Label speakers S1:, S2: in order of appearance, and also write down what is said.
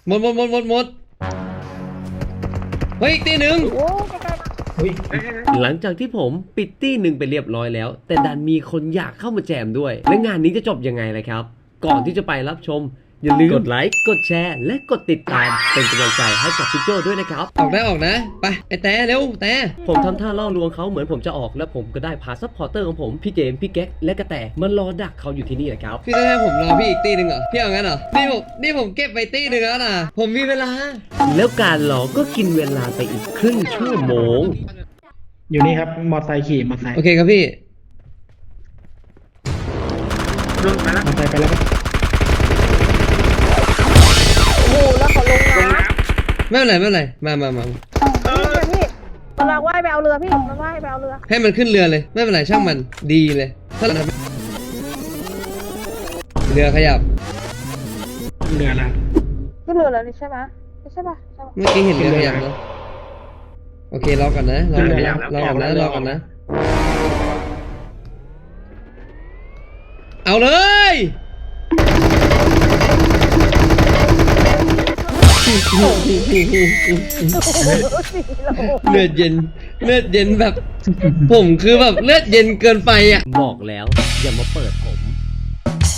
S1: หมดเฮ้ยอีกตีหนึ่ง
S2: โอ้ใกล้ๆ
S3: หลังจากที่ผมปิดตี้หนึ่งไปเรียบร้อยแล้ว แต่ดันมีคนอยากเข้ามาแจมด้วย และงานนี้จะจบยังไงล่ะครับ ก่อนที่จะไปรับชม อย่าลืมกดไลค์กดแชร์และกดติดตามเป็นกำลังใจให้กับพี่โจด้วยนะครับ
S1: ออกนะไปไอ้แต่เร็วแต่
S3: ผมทำท่าล่อลวงเขาเหมือนผมจะออกและผมก็ได้พาซัพพอร์เตอร์ของผมพี่เจมส์พี่แก๊กและกระแตมันรอดักเขาอยู่ที่นี่แหละครับ
S1: พี่จะให้ผมรอพี่อีกตีหนึ่งเหรอพี่เอางั้นเหรอนี่ผมเก็บไปตีหนึ่งแล้วนะผมมีเวลา
S3: แล้วการรอก็กินเวลาไปอีกครึ่งชั่วโมง
S4: อยู่นี่ครับมอไซค์ขี่มอไซค์
S1: โอเคครับพี่
S4: มอไซค์ไปแล้วครับ
S2: โอ้โหแล้วเขาลงน้ำ
S1: ไม่เป็นไรมา
S2: พี่มันลากว่ายไปเอาเรือพี่มันว่ายไปเอาเรือ
S1: ให้มันขึ้นเรือเลยไม่เป็นไรช่างมันดีเลยถ้าเราเรือขยับ
S4: เรือละ
S2: ขึ้นเรือแล้วนี่ใช่ไหมไม่ใช่ป่ะใช่ป่ะ
S1: เมื่อกี้เห็นเรือขยับเนาะโอเครอก่อนนะรอก่อนนะเอาเลย เลือดเย็นแบบ ผมคือแบบเลือดเย็นเกินไปอ่ะ
S3: บอกแล้วอย่ามาเปิดผม